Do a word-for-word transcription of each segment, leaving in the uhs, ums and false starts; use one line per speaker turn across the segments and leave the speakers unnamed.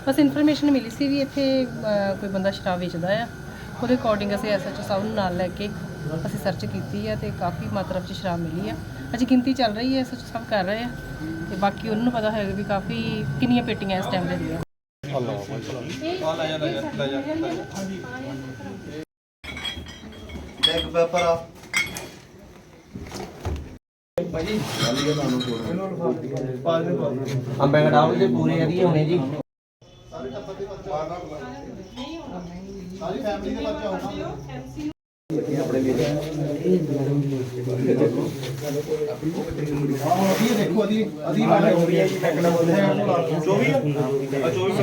बस इन्फॉर्मेशन मिली सी भी इत्थे कोई बंदा शराब वेचदा आ, ਉਹਦੇ ਅਕੋਰਡਿੰਗ ਅਸੀਂ ਐਸ ਐਚ ਓ ਸਾਹਿਬ ਨੂੰ ਨਾਲ ਲੈ ਕੇ ਅਸੀਂ ਸਰਚ ਕੀਤੀ ਹੈ ਤੇ ਕਾਫੀ ਮਾਤਰਾ ਵਿੱਚ ਸ਼ਰਾਬ ਮਿਲੀ ਆ। ਅਜੇ ਗਿਣਤੀ ਚੱਲ ਰਹੀ ਹੈ, ਐਸ ਐਚ ਓ ਸਾਹਿਬ ਕਰ ਰਹੇ ਆ ਤੇ ਬਾਕੀ ਉਹਨਾਂ ਨੂੰ ਪਤਾ ਹੋਏਗਾ ਵੀ ਕਾਫੀ ਕਿੰਨੀਆਂ ਪੇਟੀਆਂ ਇਸ ਟਾਈਮ ਦੇ ਦੀਆਂ।
ਇੱਕ ਪੇਪਰ ਆ
ਅੰਬੇ ਘਟਾਓ ਦੇ ਪੂਰੇ ਵਧੀਆ ਹੋਣੇ ਜੀ।
ਸਾਰੀ ਫੈਮਿਲੀ ਦੇ ਬੱਚੇ ਹੋਣਾ ਆਪਣੇ ਲਈ ਹਾਂ ਅਭੀ ਦੇਖੋ ਅਦੀ ਅਦੀ ਵਾਲਾ ਹੋ ਰਹੀ ਹੈ ਜੀ ਟੈਕਨਾ ਬੋਲਦੇ हैं चौबीस आ चौबीस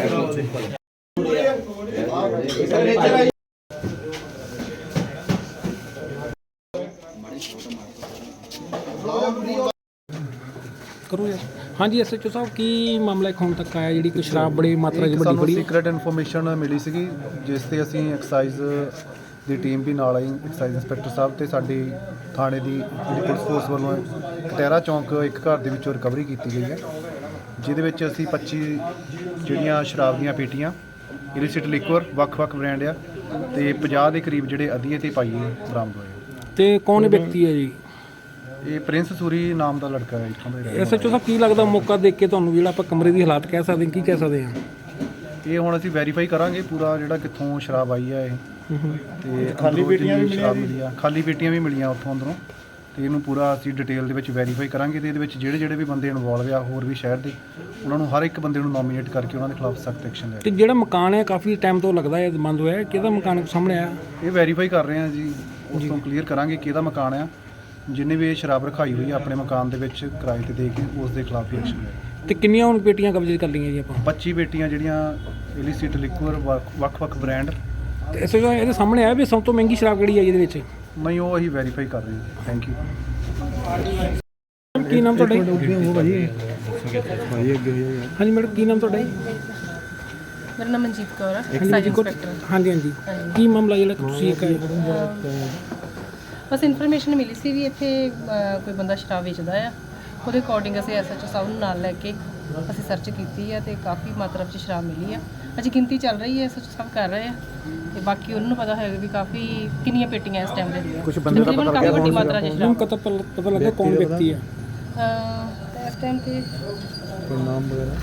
करो यार। हाँ जी एस एच ओ साहब की मामला एक ਹੁਣ ਤੱਕ ਆਇਆ ਜਿਹੜੀ ਕੋਈ ਸ਼ਰਾਬ ਬੜੀ ਮਾਤਰਾ ਚ ਵੱਡੀ ਬੜੀ
ਸੀਕ੍ਰੇਟ ਇਨਫੋਰਮੇਸ਼ਨ ਮਿਲੀ ਸੀਗੀ ਜਿਸ ਤੇ ਅਸੀਂ ਐਕਸਾਈਜ਼ ਦੀ ਟੀਮ ਵੀ ਨਾਲ ਆਈ, ਐਕਸਾਈਜ਼ ਇੰਸਪੈਕਟਰ ਸਾਹਿਬ ਤੇ ਸਾਡੀ ਥਾਣੇ ਦੀ ਜਿਹੜੀ ਪੁਲਿਸ ਫੋਰਸ ਵੱਲੋਂ ਕਟਹਿਰਾ ਚੌਂਕ ਇੱਕ ਘਰ ਦੇ ਵਿੱਚੋਂ ਰਿਕਵਰੀ ਕੀਤੀ ਗਈ ਹੈ, ਜਿਹਦੇ ਵਿੱਚ ਅਸੀਂ ਪੱਚੀ ਜਿਹੜੀਆਂ ਸ਼ਰਾਬ ਦੀਆਂ ਪੇਟੀਆਂ ਇਲਿਸਿਟ ਲਿਕਵਰ ਵੱਖ-ਵੱਖ ਬ੍ਰਾਂਡ ਆ ਤੇ ਪੰਜਾਹ ਦੇ ਕਰੀਬ ਜਿਹੜੇ ਅਧੀਏ ਤੇ ਪਾਈਏ ਬਰਾਮਦ ਹੋਏ।
ਤੇ ਕੌਣ ਵਿਅਕਤੀ ਹੈ ਜੀ?
ਇਹ ਪ੍ਰਿੰਸ ਸੂਰੀ ਨਾਮ ਦਾ ਲੜਕਾ ਹੈ ਇੱਥੋਂ ਦਾ ਹੀ ਰਹਿਣ
ਐਸ ਐਚ ਓ ਸਾਹਿਬ ਕੀ ਲੱਗਦਾ ਮੌਕਾ ਦੇਖ ਕੇ ਤੁਹਾਨੂੰ ਜਿਹੜਾ ਆਪਾਂ ਕਮਰੇ ਦੀ ਹਾਲਾਤ ਕਹਿ ਸਕਦੇ ਹਾਂ, ਕੀ ਕਹਿ ਸਕਦੇ ਹਾਂ?
ਇਹ ਹੁਣ ਅਸੀਂ ਵੈਰੀਫਾਈ ਕਰਾਂਗੇ ਪੂਰਾ ਜਿਹੜਾ ਕਿੱਥੋਂ ਸ਼ਰਾਬ ਆਈ ਹੈ ਇਹ ਤੇ
ਖਾਲੀ ਪੇਟੀਆਂ ਵੀ
ਮਿਲੀਆਂ, ਖਾਲੀ ਪੇਟੀਆਂ ਵੀ ਮਿਲੀਆਂ ਉੱਥੋਂ ਅੰਦਰੋਂ ਤੇ ਇਹਨੂੰ ਪੂਰਾ ਅਸੀਂ ਡਿਟੇਲ ਦੇ ਵਿੱਚ ਵੈਰੀਫਾਈ ਕਰਾਂਗੇ ਤੇ ਇਹਦੇ ਵਿੱਚ ਜਿਹੜੇ ਜਿਹੜੇ ਵੀ ਬੰਦੇ ਇਨਵੋਲਵ ਆ ਹੋਰ ਵੀ ਸ਼ਹਿਰ ਦੇ ਉਹਨਾਂ ਨੂੰ ਹਰ ਇੱਕ ਬੰਦੇ ਨੂੰ ਨੋਮੀਨੇਟ ਕਰਕੇ ਉਹਨਾਂ ਦੇ ਖਿਲਾਫ ਸਖਤ ਐਕਸ਼ਨ ਲੈ।
ਤੇ ਜਿਹੜਾ ਮਕਾਨ ਹੈ ਕਾਫੀ ਟਾਈਮ ਤੋਂ ਲੱਗਦਾ ਹੈ ਬੰਦ ਹੋਇਆ, ਕਿਹਦਾ ਮਕਾਨ ਸਾਹਮਣੇ ਆਇਆ?
ਇਹ ਵੈਰੀਫਾਈ ਕਰ ਰਹੇ ਹਾਂ ਜੀ, ਉਸ ਤੋਂ ਕਲੀਅਰ ਕਰਾਂਗੇ ਕਿਹਦਾ ਮਕਾਨ ਆ, ਜਿੰਨੇ ਵੀ ਇਹ ਸ਼ਰਾਬ ਰਖਾਈ ਹੋਈ ਆ ਆਪਣੇ ਮਕਾਨ ਦੇ ਵਿੱਚ ਕਿਰਾਏ ਤੇ ਦੇ ਕੇ ਉਸ ਦੇ ਖਿਲਾਫ ਵੀ ਐਕਸ਼ਨ ਲੈ।
ਤੇ ਕਿੰਨੀਆਂ ਹੁਣ ਪੇਟੀਆਂ ਕਬਜ਼ੇ ਕਰ ਲਈਆਂ ਜੀ ਆਪਾਂ?
ਪੱਚੀ ਪੇਟੀਆਂ ਜਿਹੜੀਆਂ ਇਲਿਸਿਟ ਲਿਕਵਰ ਵੱਖ-ਵੱਖ ਬ੍ਰਾਂਡ।
ਤੇ ਐਸ ਐਚ ਓ ਇਹਦੇ ਸਾਹਮਣੇ ਆਇਆ ਵੀ ਸਭ ਤੋਂ ਮਹਿੰਗੀ ਸ਼ਰਾਬ ਕਿਹੜੀ ਹੈ ਇਹਦੇ ਵਿੱਚ?
ਨਹੀਂ ਉਹ ਅਸੀਂ ਵੈਰੀਫਾਈ ਕਰ ਰਹੇ ਹਾਂ। Thank you.
ਕੀ ਨਾਮ ਤੁਹਾਡਾ? ਹਾਂਜੀ ਮੈਡਮ ਕੀ ਨਾਮ ਤੁਹਾਡਾ ਜੀ?
ਮੇਰਾ ਨਾਮ ਮਨਜੀਤ ਕੌਰ ਹੈ,
ਹਾਂਜੀ
ਐਕਸਾਈਜ਼
ਜੀ,
ਇੰਸਪੈਕਟਰ।
ਹਾਂਜੀ ਹਾਂਜੀ ਕੀ ਮਾਮਲਾ ਜਿਹੜਾ ਤੁਸੀਂ ਇੱਕ
ਬਸ ਇਨਫੋਰਮੇਸ਼ਨ ਮਿਲੀ ਸੀ ਵੀ ਇੱਥੇ ਕੋਈ ਬੰਦਾ ਸ਼ਰਾਬ ਵੇਚਦਾ ਆ, ਉਹਦੇ ਅਕੋਰਡਿੰਗ ਅਸੀਂ ਐਸ ਐਚ ਓ ਸਾਹਿਬ ਨੂੰ ਨਾਲ ਲੈ ਕੇ ਅਸੀਂ ਸਰਚ ਕੀਤੀ ਹੈ ਤੇ ਕਾਫੀ ਮਾਤਰਾ ਵਿੱਚ ਸ਼ਰਾਬ ਮਿਲੀ ਆ। ਅਜੇ ਗਿਣਤੀ ਚੱਲ ਰਹੀ ਹੈ, ਐਸ ਐਚ ਓ ਸਾਹਿਬ ਕਰ ਰਹੇ ਆ ਤੇ ਬਾਕੀ ਉਹਨਾਂ ਨੂੰ ਪਤਾ ਹੋਏਗਾ ਵੀ ਕਾਫੀ ਕਿੰਨੀਆਂ ਪੇਟੀਆਂ ਇਸ ਟਾਈਮ ਦੇ ਦੀਆਂ। ਕੁਝ ਬੰਦੇ ਦਾ ਪਤਾ ਕਾਫੀ ਵੱਡੀ ਮਾਤਰਾ ਚ ਸ਼ਰਾਬ।
ਪਤਾ ਪਤਾ ਲੱਗਾ ਕੌਣ ਵਿਅਕਤੀ ਹੈ?
ਅਹ ਇਸ ਟਾਈਮ ਤੇ
ਕੋਈ ਨਾਮ ਵਗੈਰਾ?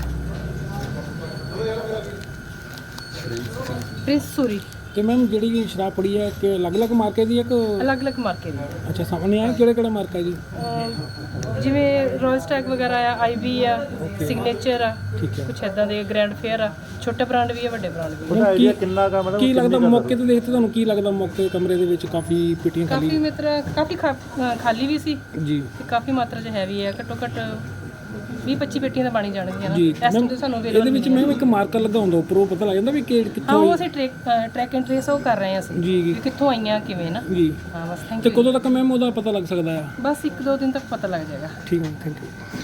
ਪ੍ਰਿੰਸ ਸੂਰੀ।
ਤੇ ਮੈਮ ਜਿਹੜੀ ਸ਼ਰਾਬ ਪੜੀ ਹੈ ਕਿ ਅਲੱਗ-ਅਲੱਗ ਮਾਰਕੇ ਦੀ ਹੈ ਕਿ
ਅਲੱਗ-ਅਲੱਗ ਮਾਰਕੇ ਦੀ।
ਅੱਛਾ ਸਾਹਮਣੇ ਆਇਆ ਕਿਹੜਾ ਕਿਹੜਾ ਮਾਰਕਾ ਜੀ?
ਅਹ ਜਿਵੇਂ ਰੋਇਲ ਸਟੈਗ ਵਗੈਰਾ ਆ, ਆਈ ਵੀ ਆ, ਸਿਗਨੇਚਰ ਆ,
ਠੀਕ ਹੈ।
ਕੁਛ ਇਦਾਂ ਦੇ ਗ੍ਰੈਂਡ ਫੇਅਰ ਆ, ਛੋਟੇ ਬ੍ਰਾਂਡ ਵੀ ਆ, ਵੱਡੇ ਬ੍ਰਾਂਡ ਵੀ ਆ।
ਉਹਦਾ ਆਈਡੀਆ ਕਿੰਨਾ ਕਾ ਮਤਲਬ ਕੀ ਲੱਗਦਾ ਮੌਕੇ ਤੇ ਦੇਖਦੇ ਤੁਹਾਨੂੰ ਕੀ ਲੱਗਦਾ ਮੌਕੇ ਕਮਰੇ ਦੇ ਵਿੱਚ ਕਾਫੀ ਪੇਟੀਆਂ
ਕਾਫੀ
ਖਾਲੀ?
ਮਾਤਰਾ ਕਾਫੀ ਖਾ- ਅਹ ਖਾਲੀ ਵੀ ਸੀ
ਜੀ
ਤੇ ਕਾਫੀ ਮਾਤਰਾ 'ਚ ਹੈਵੀ ਹੈ, ਘੱਟੋ ਘੱਟ ਵੀਹ ਪੱਚੀ ਪੇਟੀਆਂ ਤਾਂ ਬਣੀ ਜਾਣਗੀਆਂ ਨਾ
ਜੀ
ਇਸ ਟਾਈਮ ਤੇ ਸਾਨੂੰ
ਇਹਦੇ ਵਿੱਚ ਮੈਮ ਇੱਕ ਮਾਰਕਰ ਲੱਗਾ ਹੁੰਦਾ ਉੱਪਰ, ਉਹ ਪਤਾ ਲੱਗ ਜਾਂਦਾ ਵੀ ਕਿ
ਹਾਂ
ਕਿੱਥੋਂ
ਉਹ ਅਸੀਂ ਟਰੈਕ ਟਰੈਕ ਐਂਡ ਟ੍ਰੇਸ ਉਹ ਕਰ ਰਹੇ ਹਾਂ ਅਸੀਂ
ਜੀ
ਵੀ ਕਿੱਥੋਂ ਆਈਆਂ ਕਿਵੇਂ ਨਾ।
ਜੀ
ਹਾਂ ਬਸ ਥੈਂਕ
ਤੇ
ਯੂ।
ਕਦੋਂ ਤੱਕ ਮੈਮ ਉਹਦਾ ਪਤਾ ਲੱਗ ਸਕਦਾ ਆ?
ਬਸ ਇੱਕ ਦੋ ਦਿਨ ਤੱਕ ਪਤਾ ਲੱਗ ਜਾਏਗਾ।
ਠੀਕ ਹੈ ਥੈਂਕ ਯੂ।